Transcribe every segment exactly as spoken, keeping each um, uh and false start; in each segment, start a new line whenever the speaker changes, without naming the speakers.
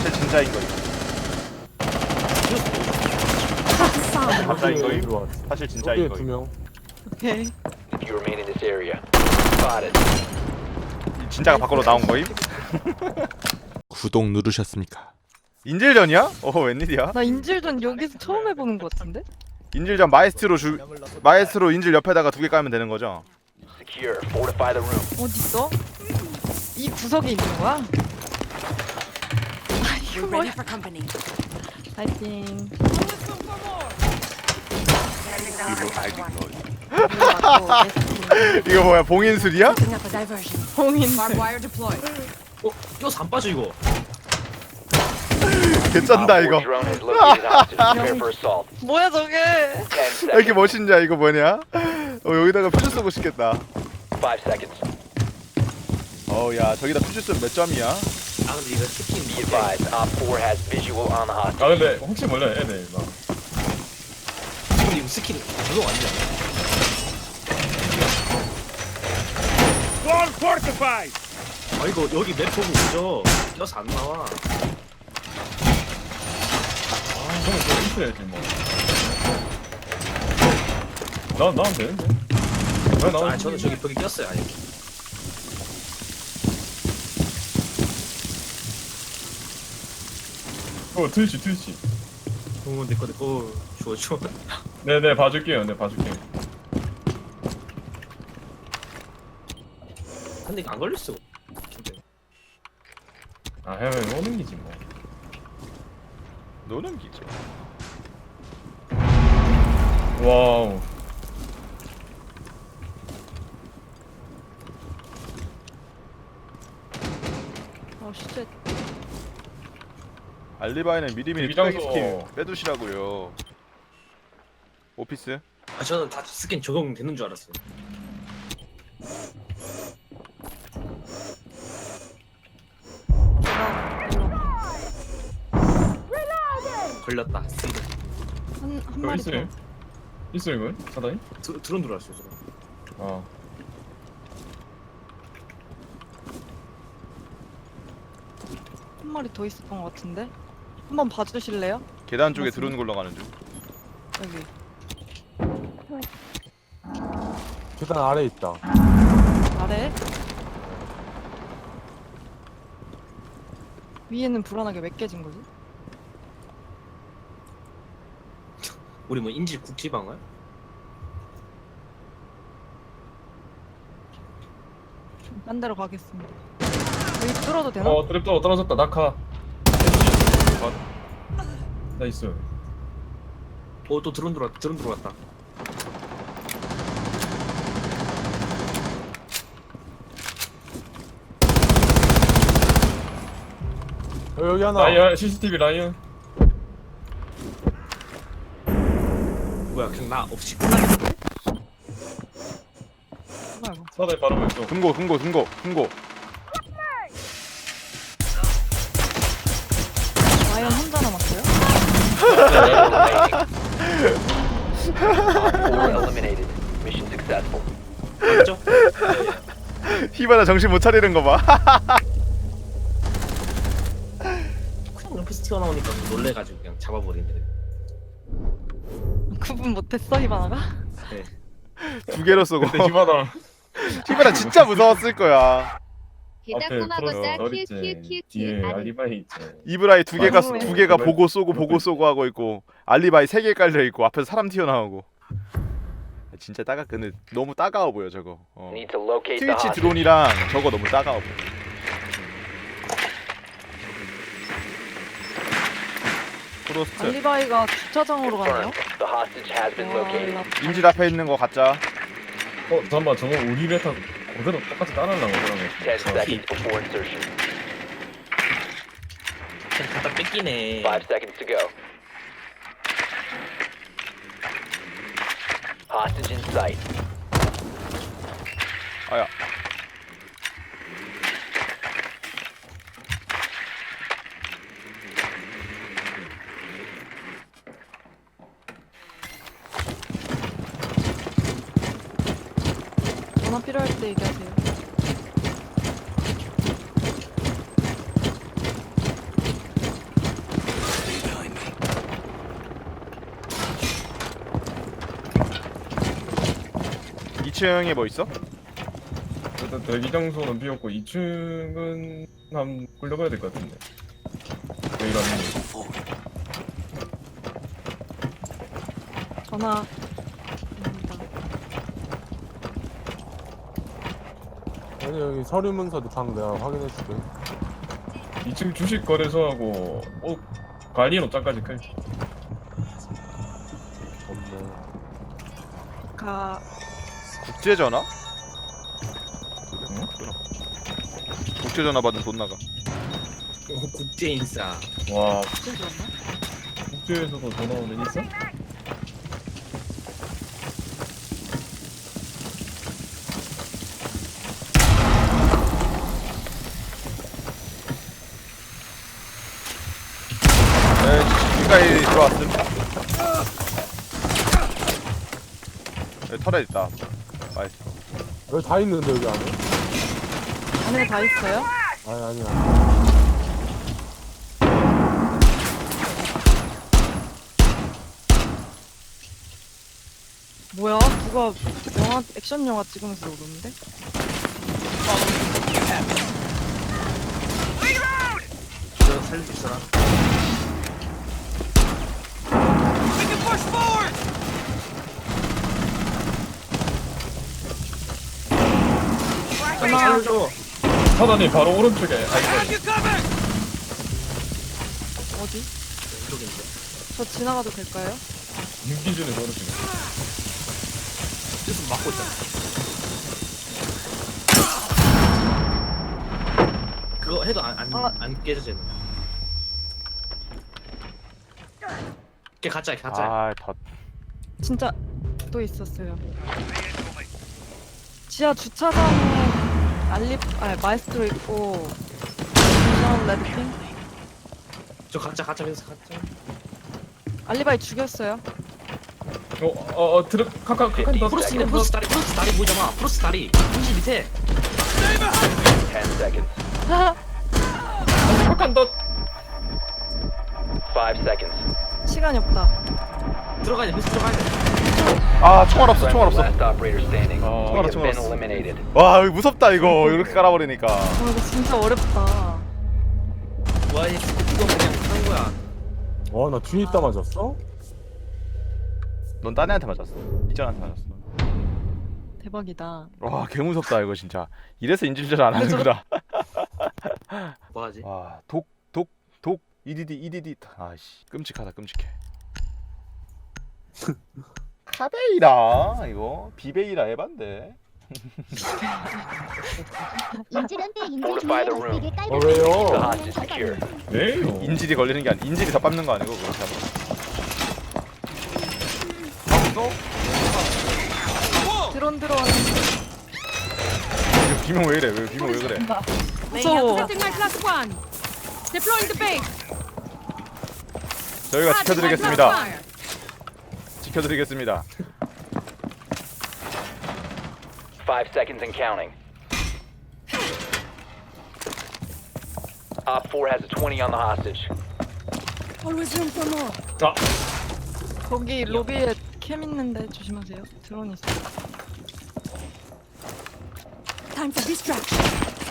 사실 진짜인 거임. 가짜인 거임. 사실 진짜인
두
거임.
명.
오케이.
If you remain in this area, spotted.
진짜가 밖으로 나온 거임.
구독 누르셨습니까?
인질전이야? 어 웬일이야?
나 인질전 여기서 처음 해보는 것 같은데?
인질전 마에스트로 주 마에스트로 인질 옆에다가 두 개 깔면 되는 거죠?
Secure. Fortify the room.
어딨어? 이 구석에 있는 거야? 아 이거 뭐야? 파이팅.
이거 뭐야 봉인술이야?
봉인.
어? 이거 안 빠져 이거.
개쩐다
Op
이거.
four drone has located hostage. Prepare for assault.
뭐야 저게?
Ten
왜 이렇게
seconds.
멋있냐 이거 뭐냐? 어 여기다가 퓨즈 쏘고 싶겠다.
Five seconds.
어야 저기다 퓨즈 쏘면 몇 점이야?
아 근데 이거 치킨
Be advised. Op four has visual on the hostage.
아 근데 혹시 몰라 얘네 막
근데 이거 스킬 적용 아니잖아. 아 이거 여기 맵 보고 오죠. 껴서 안 나와.
아 저는 저 있어야지 뭐나 나면 되는데 왜 나오지?
아 저는 저기 벽에 꼈어요. 아니.
어 트위치 트위치
오 내꺼 내꺼 좋아 좋아.
네네 봐줄게요 네 봐줄게요
근데 이거 안 걸릴 수가.
아 해외 오는 기지 뭐
노는 기죠.
와우
어 진짜.
알리바이는 미리미리
대기장소.
투자기 스킨 빼두시라고요. 오피스?
아 저는 다 스킨 적용되는 줄 알았어요. 걸렸다. 스이드.
한한
그거
마리 더.
있어요? 있어 이거? 사다니?
드, 드론 들어왔어요. 드론.
아
한 마리 더 있었던 것 같은데? 한번 봐주실래요?
계단 쪽에
맞습니다.
들어오는 걸로 가는 중.
여기.
계단 아래 있다.
아래. 위에는 불안하게 몇 개진 거지?
우리 뭐 인질 국지방어야?
딴 데로 가겠습니다. 여기 뚫어도 되나?
어 트랩도 떨어졌다 낙하 나 있어
오또 드론 들어왔 드론 들어왔다.
어, 여기 하나.
라이언 씨씨티비 라이언
뭐야 그냥 나 없이 끝나겠는데?
뭐야 이거?
사다니 바로 왼쪽
금고 금고 금고 금고.
라이언 혼자 남았어요?
Op four eliminated. Mission successful.
맞죠?
히바나 정신 못 차리는 거 봐.
그냥 옆에서 튀어나오니까 놀래가지고 그냥 잡아버리는데.
구분 못했어 히바나가?
네.
두 개로 쏘고.
근데 히바나
히바나 진짜 무서웠을 거야.
앞에
게다코마고사
프로스
키우
어딨지
키우 키우
뒤에
키우
알리바이 있지
이브라이 두 개가
아,
두 개가
왜?
보고 쏘고 보고 쏘고 하고 있고 알리바이 세 개 깔려 있고 앞에서 사람 튀어나오고. 진짜 따가 근데 너무 따가워 보여 저거. 어.
Need to locate the
트위치
hostage.
드론이랑 저거 너무 따가워 보여. 프로스트
알리바이가 주차장으로 가네요?
Confirmed. The hostage has been
와,
located.
나-
인질 앞에 있는 거 가짜.
어 잠깐만 저거 우리 베타 그대로 똑같이 따라하려고 그러네
Ten
어.
seconds before insertion.
그냥 갖다 뺏기네.
Five seconds to go. Hostage in sight.
아야.
전화 필요할 때 얘기하세요.
이 층에 뭐 있어?
일단 대기 장소는 비었고 이 층은 한번 굴려봐야 될 것 같은데. 왜 이러니?
전화. 입니다.
여기 여기 서류 문서도 방 내가 확인해줄게.
이 층 주식 거래소하고 옷 관리인 옷장까지 클.
없네.
가.
국제 전화?
응?
국제 전화 받으면 돈 나가.
어, 국제 인싸.
와
진짜 좋았나?
국제에서도 전화 오는 있어?
네, 지금까지 들어왔음. 여기 털에 있다. 나이스.
여기 다 있는데 여기 안에?
안에 다 있어요?
아니 아니야.
뭐야? 누가 영화 액션 영화 찍으면서 오는데?
저 살려줄 사람.
전화.
살려줘.
사단이 바로 오른쪽에 아이고
어디?
왼쪽인데.
저 지나가도 될까요?
윤기준에서 오른쪽에.
뜻은 막고 있잖아. 그거 해도 안 안
아.
안 깨져지는. 걔 가짜 가짜.
아, 더
진짜 또 있었어요. 지하 주차장에 알리, 아 마에스트로 있고 미션 레드핑
저 가짜 가짜 그래서 가짜.
알리바이 죽였어요.
어어 어, 트럭 카카 카카 더
프로스 있네 프로스 다리 프로스 다리 보이잖아. 프로스 다리. 한시 밑에.
ten seconds.
카카 더
five seconds.
시간이 없다.
들어가야 돼. 프로스 들어가야 돼.
아, 총알 없어. 총알 없어.
Last operator standing.
아,
You
총알
have
없어,
been
총알 없어.
eliminated.
와, 이거 무섭다 이거. 이렇게 깔아버리니까.
아 이거 진짜 어렵다.
와, 얘 이거 그냥 하는 거야.
와 나 뒤에 있다 맞았어?
넌 딴 애한테 맞았어. 이전한테 맞았어.
대박이다.
와, 개 무섭다 이거 진짜. 이래서 인질질 안 하는구나.
뭐 하지?
와, 독, 독, 독, 이디디, 이디디. 아씨, 끔찍하다, 끔찍해. 카베이라 이거 비베이라 에반데.
인질은 때 인질
Fortify the
중에
room.
어떻게
어,
깔고
왜요?
The hostage secure.
왜요?
인질이 걸리는 게 아니, 인질이 더 밟는 거 아니고 그렇게 하면.
드론 들어왔는데
이거 비명 왜 이래? 왜 비명 왜 그래?
무서워.
Setting my plus one. Deploying the base.
저희가
Adding my plus
지켜드리겠습니다.
one.
지켜드리겠습니다.
Five seconds and counting. Op four has a twenty on the hostage.
Always room for more.
아
거기 로비에 캠 있는데 조심하세요. 드론 있어.
Time for distraction.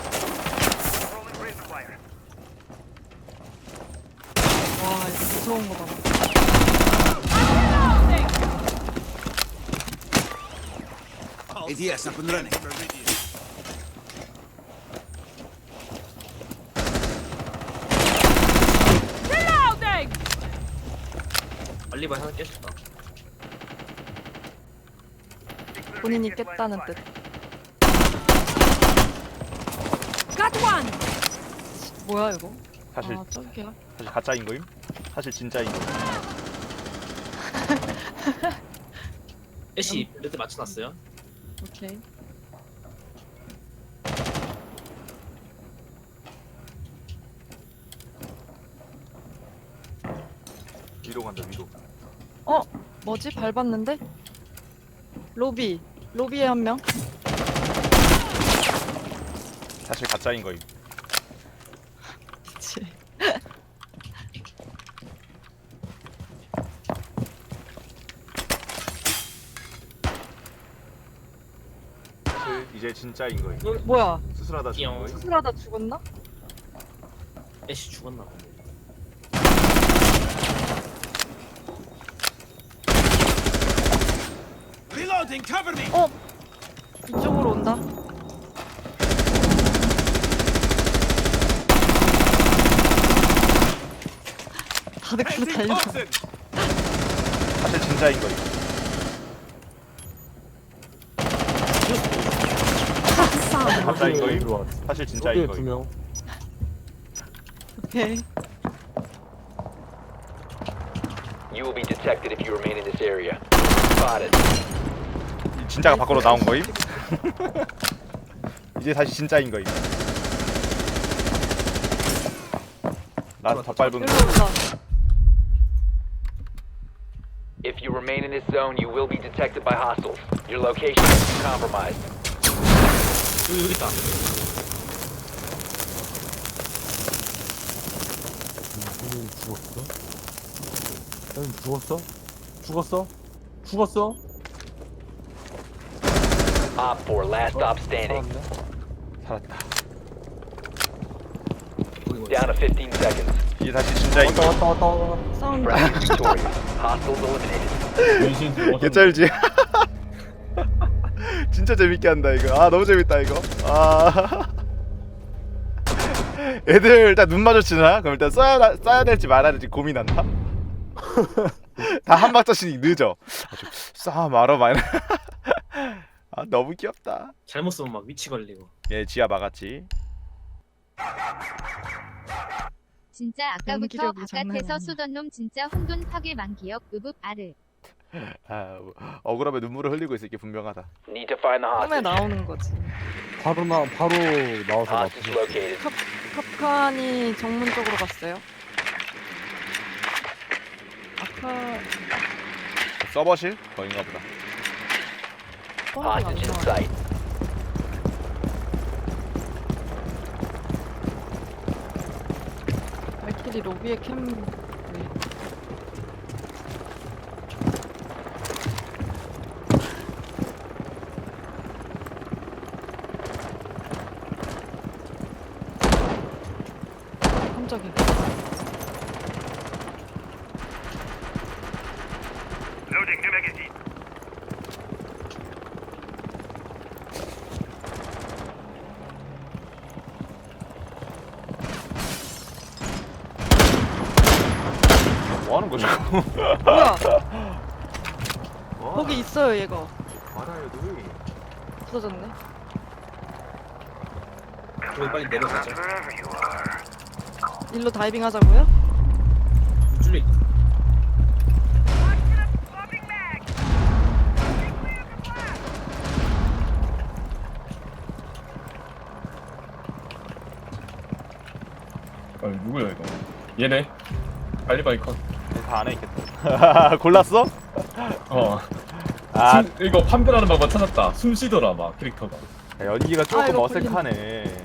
와 이거 무서운 거 봐.
Yes, up and running.
Reloading.
알리바이 하나 깼었다.
본인이 깼다는 뜻.
Got one.
뭐야 이거?
사실
아 저기야.
사실 가짜인 거임? 사실 진짜인 거임?
애쉬 레드 맞춰놨어요.
오케이.
위로 간다 위로.
어 뭐지 밟았는데? 로비 로비에 한 명.
사실 가짜인 거임.
그치.
이제 진짜인 거임.
뭐야?
수술하다 죽은
띠용.
거임.
수술하다 죽었나?
애쉬 죽었나 보네.
어? 이쪽으로 온다. 다들 그로 달려.
사실 진짜인 거임. 가짜인 거임.
들어왔어.
사실 진짜인
여기에 두
거임.
명.
오케이.
You will be detected if you remain in this area. Spotted.
진짜가 밖으로 나온 거임. 이제 다시 진짜인 거임. 난 덧밟은
일로
거.
온다.
If you remain in this zone, you will be detected by hostiles. Your location is compromised.
여기 여기 있다.
형님 죽었어? 형님 죽었어? 죽었어? 죽었어?
Op four, last stop standing.
살았네.
살았다.
Down to fifteen seconds.
이제 다시 진짜인
왔다
거임.
왔다 왔다 왔다.
사운드.
Friendly victorious. Hostiles eliminated.
변신
개쩔지. 진짜 재밌게 한다 이거. 아 너무 재밌다 이거. 아. 애들 일단 눈 마주치나? 그럼 일단 쏴야 쏴야 될지 말아야 될지 고민한다. 다 한 박자씩 늦어. 쏴 말어 말. 아 너무 귀엽다.
잘못 쓰면 막 위치 걸리고.
얘 지하 막았지.
진짜 아까부터
연기력이 장난
바깥에서
아니야.
쏘던 놈 진짜 혼돈 파괴 만기역 으붑 아르.
아 억울하면 눈물을 흘리고 있을 게 분명하다.
Need to find the
꿈에
hostage.
나오는 거지.
바로 나 바로 나와서
Hostage
나.
located.
컵, 컵칸이 정문 쪽으로 갔어요. 아까
서버실? 거인가 보다.
뻔하게 안
Hostage in
나와요.
sight.
발키리 로비에 캠. 네. 깜짝이야.
뭐 하는 거지?
뭐야? 거기 있어요 얘가.
말아요 누이.
없어졌네.
우리 빨리 내려가자.
일로 다이빙 하자고요?
줄리.
아 누구야 이거? 얘네. 알리바이 컷.
다 안에 있겠다. 골랐어?
어.
아
숨, 이거 판별하는 방법 찾았다. 숨 쉬더라 막 캐릭터가.
연기가 조금
아이고,
어색하네.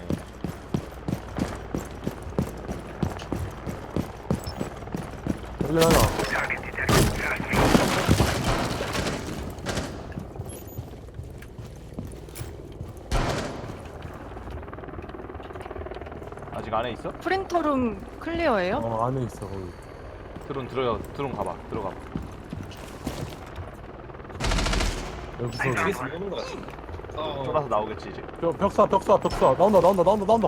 원래 하나.
아직 안에 있어?
프린터룸 클리어예요?
어 안에 있어 거기.
드론 들어가 드론 가봐 들어가봐.
여기서
여기서 오는 거 같은데. 어.
쫄아서 나오겠지 이제.
벽, 벽사 벽사 벽사 나온다 나온다 나온다 나온다.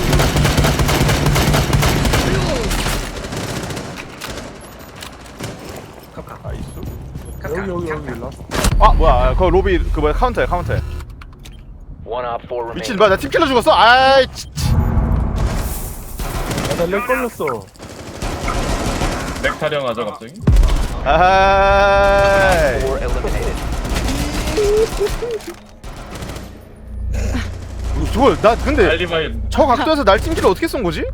아 있어?
여기 여기 여기 라스.
아 뭐야 그 로비 그 뭐야 카운터야 카운터야.
One op four
미친
remaining.
뭐야 나 팀킬러 죽었어? 아이 진짜.
나렉 걸렸어.
렉 타령하자 갑자기.
아이.
Four eliminated.
저걸 나 근데
알리바이.
저 각도에서 날 팀킬러 어떻게 쏜 거지?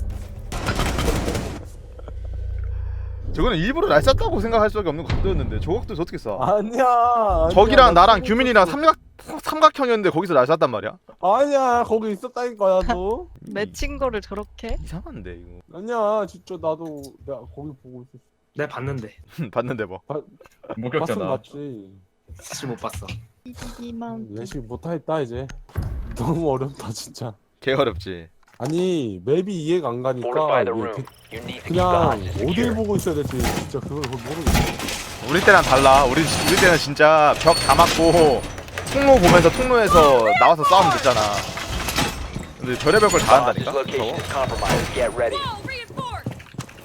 저거는 일부러 날 쐈다고 생각할 수밖에 없는 각도였는데 저 각도에서 어떻게 쏴?
아니야. 아니야.
저기랑
나
나랑
거기
규민이랑
있었어.
삼각 삼각형이었는데 거기서 날 쐈단 말이야?
아니야 거기 있었다니까 나도.
맺힌 거를 저렇게?
이상한데 이거.
아니야 진짜 나도 내가 거기 보고 있었어.
내가 봤는데
봤는데 뭐.
봤으면
목격자다.
맞지.
사실 못 봤어.
이기기만
예시 못하겠다 이제. 너무 어렵다 진짜.
개 어렵지.
아니 맵이 이해가 안 가니까
Fortify the
이게
room.
그-
You need to keep the
그냥
hostage
어딜
secure.
보고 있어야 될지 진짜 그걸 모르겠어.
우리 때랑 달라. 우리 우리 때는 진짜 벽 다 막고 통로 보면서 통로에서 나와서 싸우면 됐잖아. 근데 별의별 걸 다
Hostage
한다니까.
location
저거.
is compromised. Get ready.
Wall reinforced.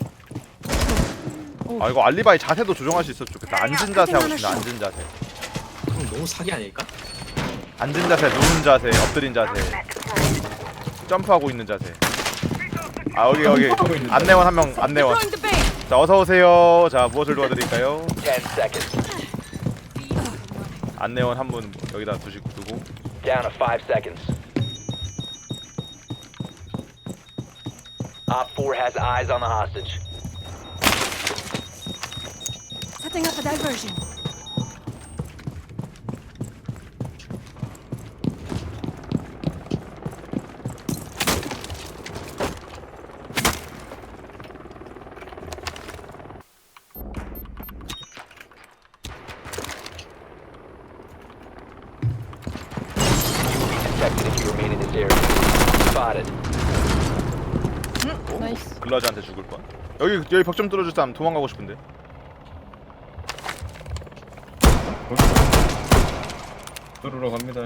아 이거 알리바이 자세도 조정할 수 있었으면 좋겠다. 앉은 자세 하고 싶네. 앉은 자세.
그럼 너무 사기 아닐까?
앉은 자세, 누운 자세, 엎드린 자세, 점프하고 있는 자세. 아 여기 여기 안내원 한 명 안내원.
Throwing the bait.
자 어서 오세요. 자 무엇을 도와드릴까요?
Ten seconds.
안내원 한 분 여기다 두시고 두고.
Down to five seconds. Op four has eyes on the hostage.
Setting up a diversion.
Detected if you remain in this area. Spotted.
응? 나이스.
글라즈한테 죽을 뻔. 여기 여기 벽 좀 뚫어줄 사람 도망가고 싶은데.
뚫으러 갑니다.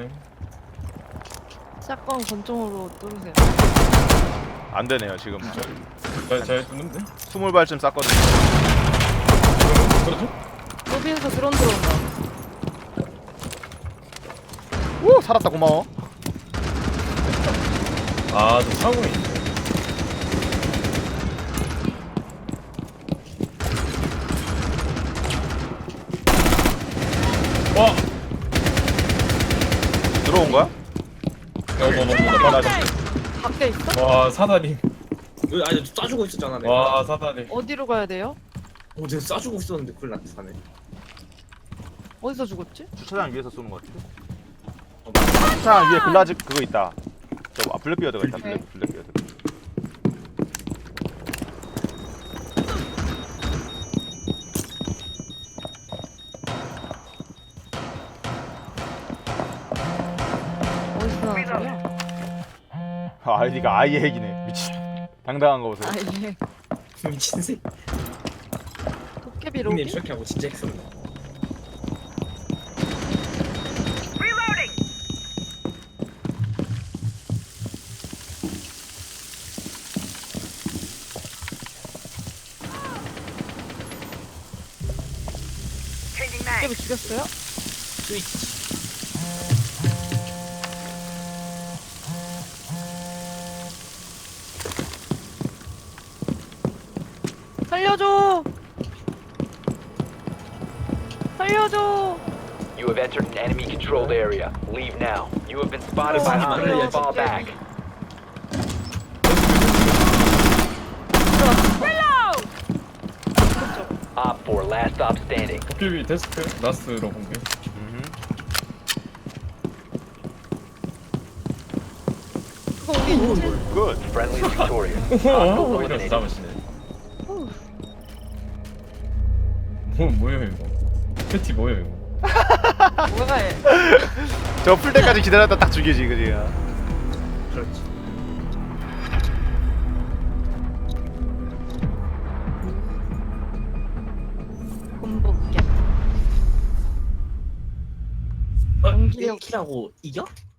샷건 권총으로 뚫으세요.
안 되네요 지금.
잘, 잘 뚫는데?
스물 발쯤 쌌거든요.
그렇죠?
로비에서 드론 들어온다.
오 살았다 고마워.
아, 저 창호에 있네. 와!
들어온 거야?
어머머머, 나
밖에 있어?
와, 사다리.
여기 아니 쏴주고 있었잖아 내가.
와, 사다리.
어디로 가야 돼요?
어 내가 쏴주고 있었는데 그걸 나한테 사네.
어디서 죽었지?
주차장 위에서 쏘는 거 같은데? 주차장 위에 글라즈 그거 있다. 저 아, 블랙비어드가 있다. 블랙 블랙비어드.
어디서 나는 소리야?
아, 아이디가 아이의 핵이네. 미친. 당당한 거 보세요.
아 이게
미친 새끼.
도깨비
형님
로비?
저렇게 하고 진짜 했었네.
도깨비 죽였어요?
스위치.
살려줘! 살려줘!
You have entered an enemy controlled area. Leave now. You have been spotted by
Oh,
hostiles.
yeah.
Fall back.
Reload.
Op four, last stop standing.
도깨비 데스크 라스트로 공개.
음흠.
그거 우리 인질?
굿.
Friendly is victorious.
어,
Hostiles
이거
eliminated.
잡으시네.
어우,
뭐, 뭐예요, 이거? 패티 뭐예요, 이거?
뭐야 얘.
저 풀 때까지 기다렸다 딱 죽이지 그지.
그렇지.
곰복개.
어?
연기력.
킬하고 이겨?